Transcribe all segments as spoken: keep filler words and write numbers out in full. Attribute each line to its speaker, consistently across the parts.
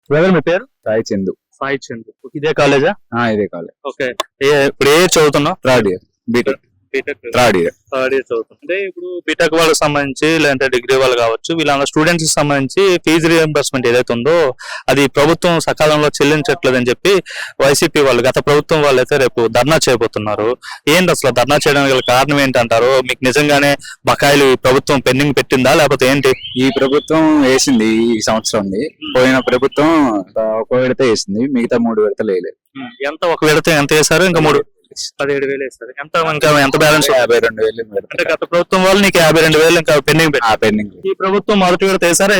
Speaker 1: Brother మీ పేరు?
Speaker 2: సాయి చందు.
Speaker 1: సాయి చందు. ఇదే కాలేజా?
Speaker 2: ఇదే కాలేజ్.
Speaker 1: ఓకే. ఇప్పుడు ఏ చదువుతున్నావు?
Speaker 2: Third year BTech.
Speaker 1: BTech
Speaker 2: third year
Speaker 1: third year చదువుతుంది. అంటే ఇప్పుడు బీటెక్ వాళ్ళకి సంబంధించి లేదంటే డిగ్రీ వాళ్ళు కావచ్చు, వీళ్ళ స్టూడెంట్స్ కి సంబంధించి ఫీజు రియంబర్స్మెంట్ ఏదైతే ఉందో అది ప్రభుత్వం సకాలంలో చెల్లించట్లేదని చెప్పి వైసీపీ వాళ్ళు, గత ప్రభుత్వం వాళ్ళు అయితే రేపు ధర్నా చేయబోతున్నారు. ఏంటి అసలు ధర్నా చేయడానికి గల కారణం ఏంటంటారు? మీకు నిజంగానే బకాయిలు ప్రభుత్వం పెండింగ్ పెట్టిందా లేకపోతే ఏంటి?
Speaker 2: ఈ ప్రభుత్వం వేసింది ఈ సంవత్సరం. పోయిన ప్రభుత్వం ఒక విడత వేసింది, మిగతా మూడు విడతలు వేయలేదు.
Speaker 1: ఎంత ఒక విడత ఎంత వేశారు? ఇంకా మూడు పదిహేడు వేలు వేస్తారు. ఎంత ఇంకా ఎంత బ్యాలెన్స్?
Speaker 2: యాభై రెండు వేలు.
Speaker 1: అంటే గత ప్రభుత్వం వాళ్ళు నీకు యాభై రెండు వేలు ఇంకా పెండింగ్
Speaker 2: పెండింగ్.
Speaker 1: ఈ ప్రభుత్వం మొదటి విడత వేసారా?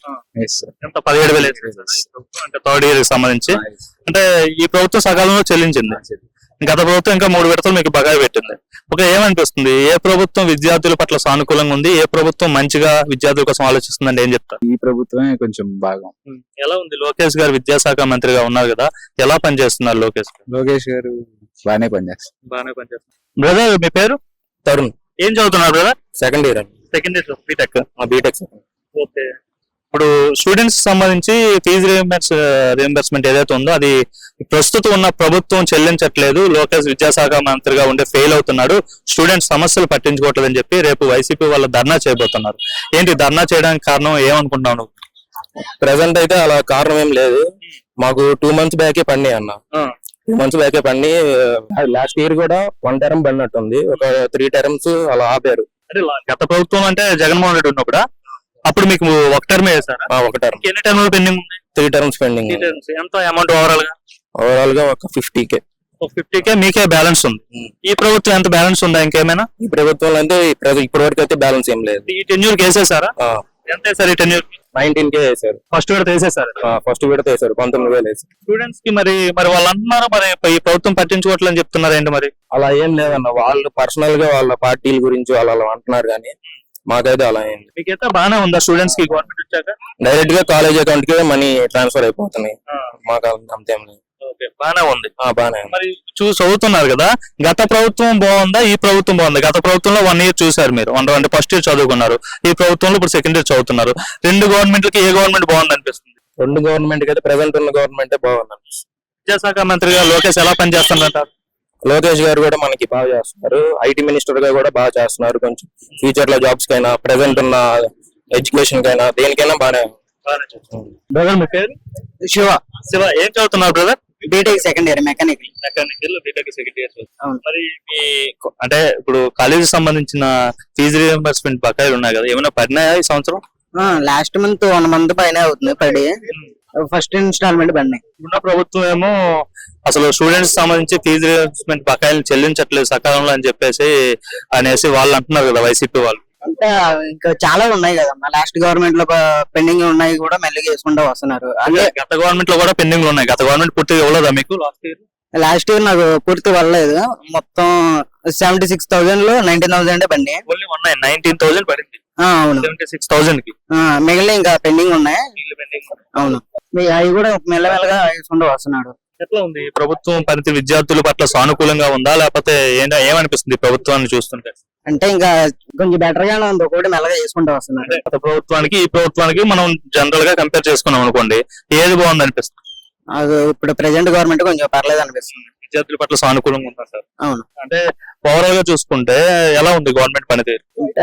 Speaker 1: ఎంత పదిహేడు వేలు అంటే థర్డ్ ఇయర్ కి సంబంధించి. అంటే ఈ ప్రభుత్వం సకాలంలో చెల్లించింది, గత ప్రభుత్వం ఇంకా మూడు విడతలు మీకు బకాయి పెట్టింది. ఒక ఏమనిపిస్తుంది, ఏ ప్రభుత్వం విద్యార్థుల పట్ల సానుకూలంగా ఉంది, ఏ ప్రభుత్వం మంచిగా విద్యార్థుల కోసం ఆలోచిస్తుందంటే ఏం చెప్తారు?
Speaker 2: ఈ ప్రభుత్వమే కొంచెం బాగా.
Speaker 1: ఎలా ఉంది? లోకేష్ గారు విద్యాశాఖ మంత్రిగా ఉన్నారు కదా, ఎలా పనిచేస్తున్నారు లోకేష్?
Speaker 2: లోకేష్ గారు బాగానే పనిచేస్తారు.
Speaker 1: బాగానే పనిచేస్తారు. బ్రదర్ మీ పేరు?
Speaker 2: తరుణ్.
Speaker 1: ఏం చదువుతున్నారు brother?
Speaker 2: Second year.
Speaker 1: Second year BTech.
Speaker 2: BTech.
Speaker 1: Okay. ఇప్పుడు స్టూడెంట్స్ సంబంధించి ఫీజు రియంబర్స్ రియంబర్స్మెంట్ ఏదైతే ఉందో అది ప్రస్తుతం ఉన్న ప్రభుత్వం చెల్లించట్లేదు, లోకేష్ విద్యాశాఖ మంత్రిగా ఉండే ఫెయిల్ అవుతున్నాడు, స్టూడెంట్స్ సమస్యలు పట్టించుకోవట్లేదు అని చెప్పి రేపు వైసీపీ వాళ్ళు ధర్నా చేయబోతున్నారు. ఏంటి ధర్నా చేయడానికి కారణం ఏమనుకుంటున్నాను?
Speaker 2: ప్రెసెంట్ అయితే అలా కారణం ఏం లేదు, మాకు టూ మంత్స్ బ్యాకే పడినాయి అన్న. టూ మంత్స్ బ్యాకే పడి లాస్ట్ ఇయర్ కూడా వన్ టర్మ్ పడినట్టుంది, ఒక త్రీ టర్మ్స్ అలా ఆపారు.
Speaker 1: అంటే గత ప్రభుత్వం అంటే జగన్మోహన్ రెడ్డి ఉన్నప్పుడు అప్పుడు మీకు ఒక టర్మ్ వేసారా?
Speaker 2: ఒక టర్మ్.
Speaker 1: ఎన్ని term pending?
Speaker 2: Three terms pending.
Speaker 1: ఎంత అమౌంట్ ఓవరాల్ గా?
Speaker 2: ఓవరాల్ గా ఒక ఫిఫ్టీ కే.
Speaker 1: ఫిఫ్టీ కే మీకే బ్యాలెన్స్ ఉంది. ఈ ప్రభుత్వం ఎంత బ్యాలెన్స్ ఉందా ఇంకేమైనా?
Speaker 2: ఈ ప్రభుత్వంలో అంటే ఇప్పటి వరకు అయితే బ్యాలెన్స్ ఏం లేదు.
Speaker 1: ఈ టెన్యూర్ వేసేసారా? ఎంత వేసారు ఈ టెన్యూర్?
Speaker 2: నైన్టీన్ కే వేసారు.
Speaker 1: ఫస్ట్ విడత వేసేసారు.
Speaker 2: ఫస్ట్ విడత వేసారు, పంతొమ్మిది వేలు వేసారు.
Speaker 1: స్టూడెంట్స్ కి మరి మరి వాళ్ళు అంటున్నారు మరి ఈ ప్రభుత్వం పట్టించుకోవట్లని చెప్తున్నారు ఏంటి మరి?
Speaker 2: అలా ఏం లేదన్న, వాళ్ళు పర్సనల్ గా వాళ్ళ పార్టీల గురించి వాళ్ళు అలా అంటున్నారు, కానీ మాకైతే అలా ఏంటి.
Speaker 1: మీకైతే బాగానే ఉందా స్టూడెంట్స్ కి గవర్నమెంట్ వచ్చాక?
Speaker 2: డైరెక్ట్ గా కాలేజ్ అకౌంట్ కి మనీ ట్రాన్స్ఫర్ అయిపోతున్నాయి, మాకు అంతేం లేదు.
Speaker 1: బానే ఉంది.
Speaker 2: బానే
Speaker 1: మరి చూసి చదువుతున్నారు కదా, గత ప్రభుత్వం బాగుందా ఈ ప్రభుత్వం బాగుందా? గత ప్రభుత్వంలో వన్ ఇయర్ చూసారు మీరు, అంటే ఫస్ట్ ఇయర్ చదువుకున్నారు, ఈ ప్రభుత్వంలో ఇప్పుడు సెకండ్ ఇయర్ చదువుతున్నారు. రెండు గవర్నమెంట్లకి ఏ గవర్నమెంట్ బాగుంది అనిపిస్తుంది?
Speaker 2: రెండు గవర్నమెంట్ అయితే ప్రెసెంట్ ఉన్న గవర్నమెంట్ బాగుంది అనిపిస్తుంది.
Speaker 1: విద్యాశాఖ మంత్రిగా లోకేష్ ఎలా పనిచేస్తున్నారు?
Speaker 2: లోకేష్ గారు కూడా మనకి బాగా చేస్తున్నారు, ఐటీ మినిస్టర్ గా కూడా బాగా చేస్తున్నారు. కొంచెం ఫ్యూచర్ లో జాబ్స్ కైనా, ప్రెసెంట్ ఉన్న ఎడ్యుకేషన్ కైనా, దేనికైనా బాగానే.
Speaker 1: బ్రదర్ మీ పేరు?
Speaker 3: శివ.
Speaker 1: శివ ఏం చదువుతున్నారు brother?
Speaker 3: BTech second year mechanical.
Speaker 1: Mechanical BTech second year. మరి మీ అంటే ఇప్పుడు కాలేజీ సంబంధించిన ఫీజు రియంబర్స్మెంట్ బకాయిలు ఉన్నాయి కదా, ఏమైనా పడినాయా ఈ సంవత్సరం?
Speaker 3: లాస్ట్ మంత్ వన్ మంత్ పైన అవుతుంది పడి, ఫస్ట్ ఇన్స్టాల్మెంట్ పడినాయి.
Speaker 1: ఉన్న ప్రభుత్వం ఏమో అసలు స్టూడెంట్స్ సంబంధించి ఫీజు రియంబర్స్మెంట్ బకాయిలు చెల్లించట్లేదు సకాలంలో అని చెప్పేసి అనేసి వాళ్ళు అంటున్నారు కదా వైసీపీ వాళ్ళు.
Speaker 3: అంటే ఇంకా చాలా ఉన్నాయి కదమ్మా, లాస్ట్ గవర్నమెంట్ లో పెండింగ్ ఉన్నాయి కూడా మెల్లిగా వేసుకుంటూ వస్తున్నారు.
Speaker 1: అంటే గత గవర్నమెంట్ లో కూడా పెండింగ్ ఉన్నాయి, గత గవర్నమెంట్ పూర్తిగా ఇవ్వలేదా మీకు లాస్ట్ ఇయర్?
Speaker 3: లాస్ట్ ఇయర్ నాకు పూర్తి పడలేదు, మొత్తం సెవెంటీ సిక్స్ థౌసండ్ లో నైన్టీన్ థౌసండ్ పడినాయి.
Speaker 1: నైన్టీన్ థౌసండ్ పడింది.
Speaker 3: అవును,
Speaker 1: సెవెంటీ సిక్స్ థౌసండ్ కి
Speaker 3: మిగిలిన ఇంకా పెండింగ్ ఉన్నాయి. అవును, అవి కూడా మెల్లమెల్లగా వేసుకుంటూ వస్తున్నాడు.
Speaker 1: ఎట్లా ఉంది ప్రభుత్వం పనితీరు? విద్యార్థుల పట్ల సానుకూలంగా ఉందా లేకపోతే ఏంటో ఏమనిపిస్తుంది ప్రభుత్వాన్ని చూస్తుంటే?
Speaker 3: అంటే ఇంకా కొంచెం బెటర్ గానే ఉంది, ఒకటి మెల్లగా చేసుకుంటూ వస్తున్నారు.
Speaker 1: గత ప్రభుత్వానికి ఈ ప్రభుత్వానికి మనం జనరల్ గా కంపేర్ చేసుకున్నాం అనుకోండి, ఏది బాగుంది అనిపిస్తుంది?
Speaker 3: అది ఇప్పుడు ప్రెసెంట్ గవర్నమెంట్ కొంచెం పర్లేదు అనిపిస్తుంది.
Speaker 1: విద్యార్థుల పట్ల సానుకూలంగా ఉందా సార్?
Speaker 3: అవును.
Speaker 1: అంటే ఓవరాల్ గా చూసుకుంటే ఎలా ఉంది గవర్నమెంట్ పనితీరు?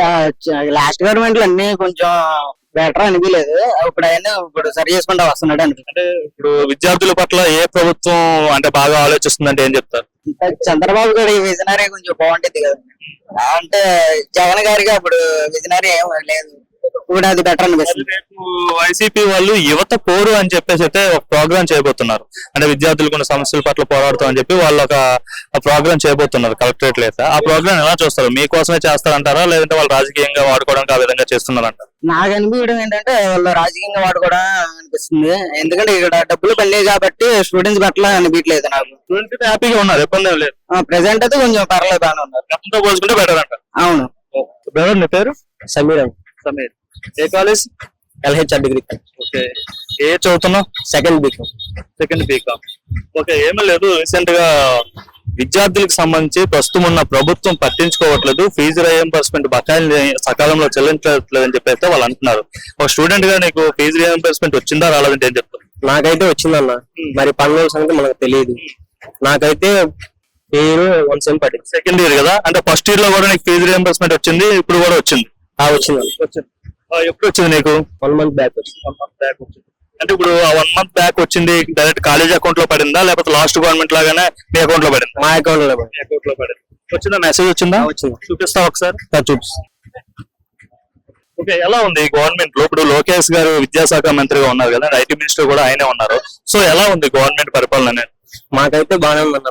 Speaker 3: లాస్ట్ గవర్నమెంట్ లో అన్ని కొంచెం బెటర్ అనిపించలేదు, ఇప్పుడు అయినా ఇప్పుడు సరి చేసుకుంటూ వస్తున్నాడు అనిపిస్తుంది.
Speaker 1: అంటే ఇప్పుడు విద్యార్థుల పట్ల ఏ ప్రభుత్వం అంటే బాగా ఆలోచిస్తుందంటే ఏం చెప్తారు?
Speaker 3: చంద్రబాబు గారి విజనరీ కొంచెం బాగుంటుంది కదా, అంటే జగన్ గారికి అప్పుడు విజనరీ ఏం లేదు, ఇప్పుడు అది బెటర్ అనిపిస్తుంది.
Speaker 1: రేపు వైసీపీ వాళ్ళు యువత పోరు అని చెప్పేసి అయితే ఒక ప్రోగ్రామ్ చేయబోతున్నారు, అంటే విద్యార్థులకు ఉన్న సమస్యల పట్ల పోరాడుతాం అని చెప్పి వాళ్ళు ఒక ప్రోగ్రామ్ చేయబోతున్నారు కలెక్టరేట్ లో. ఆ ప్రోగ్రామ్ ఎలా చూస్తారు? మీకోసమే చేస్తారంటారా లేదంటే వాళ్ళు రాజకీయంగా వాడుకోవడానికి ఆ విధంగా చేస్తున్నారంటారా?
Speaker 3: నాకు అనిపించడం ఏంటంటే వాళ్ళు రాజకీయంగా వాడుకోవడం అనిపిస్తుంది, ఎందుకంటే ఇక్కడ డబ్బులు పడలేదు కాబట్టి స్టూడెంట్స్ పట్ల అనిపించలేదు నాకు.
Speaker 1: స్టూడెంట్స్ హ్యాపీగా ఉన్నారు, ఇబ్బంది లేదు.
Speaker 3: ప్రెసెంట్ అయితే కొంచెం పర్లేదు, బాగానే ఉన్నారు,
Speaker 1: గతంతో పోల్చుకుంటే బెటర్ అంటారు.
Speaker 3: అవును.
Speaker 1: బ్రదర్ మీ పేరు?
Speaker 3: సమీర్.
Speaker 1: సమీర్ ఏ కాలేజ్?
Speaker 3: LHR degree.
Speaker 1: ఓకే. ఏ చదువుతున్నావు?
Speaker 3: Second BCom.
Speaker 1: Second BCom. Okay. ఏమీ లేదు, రీసెంట్ గా విద్యార్థులకు సంబంధించి ప్రస్తుతం ఉన్న ప్రభుత్వం పట్టించుకోవట్లేదు, ఫీజు రియంబర్స్మెంట్ బకాయిలు సకాలంలో చెల్లించట్లేదు అని చెప్పి అయితే వాళ్ళు అంటున్నారు. ఒక స్టూడెంట్ గా నీకు ఫీజు రియంబర్స్మెంట్ వచ్చిందా రాలేదంటే ఏం చెప్తారు?
Speaker 2: నాకైతే వచ్చిందన్న, మరి పన్నెండు సంగతి మనకు తెలియదు. నాకైతే పేరు వన్ సెమ్ పడింది.
Speaker 1: సెకండ్ ఇయర్ కదా, అంటే ఫస్ట్ ఇయర్ లో కూడా నీకు ఫీజు రియంబర్స్మెంట్ వచ్చింది, ఇప్పుడు కూడా వచ్చింది.
Speaker 2: ఆ వచ్చిందన్న,
Speaker 1: వచ్చింది. ఆ, ఎప్పుడు వచ్చింది నీకు?
Speaker 2: వన్ మంత్ బ్యాక్ వచ్చింది.
Speaker 1: వన్ మంత్ బ్యాక్ వచ్చింది. అంటే ఇప్పుడు ఆ వన్ మంత్ బ్యాక్ వచ్చింది డైరెక్ట్ కాలేజ్ అకౌంట్ లో పడిందా, లేకపోతే లాస్ట్ గవర్నమెంట్ లాగానే మీ అకౌంట్ లో పడిందా?
Speaker 2: మా అకౌంట్ లో
Speaker 1: మీ అకౌంట్ లో పడింది. వచ్చిందా మెసేజ్ వచ్చిందా?
Speaker 2: వచ్చింది.
Speaker 1: చూపిస్తావా ఒకసారి?
Speaker 2: చూపిస్తాను.
Speaker 1: ఓకే, ఎలా ఉంది గవర్నమెంట్ లో ఇప్పుడు లోకేష్ గారు విద్యాశాఖ మంత్రిగా ఉన్నారు కదా, ఐటీ మినిస్టర్ కూడా ఆయనే ఉన్నారు. సో ఎలా ఉంది గవర్నమెంట్ పరిపాలన అనేది?
Speaker 2: మాకైతే బాగానే ఉందన్న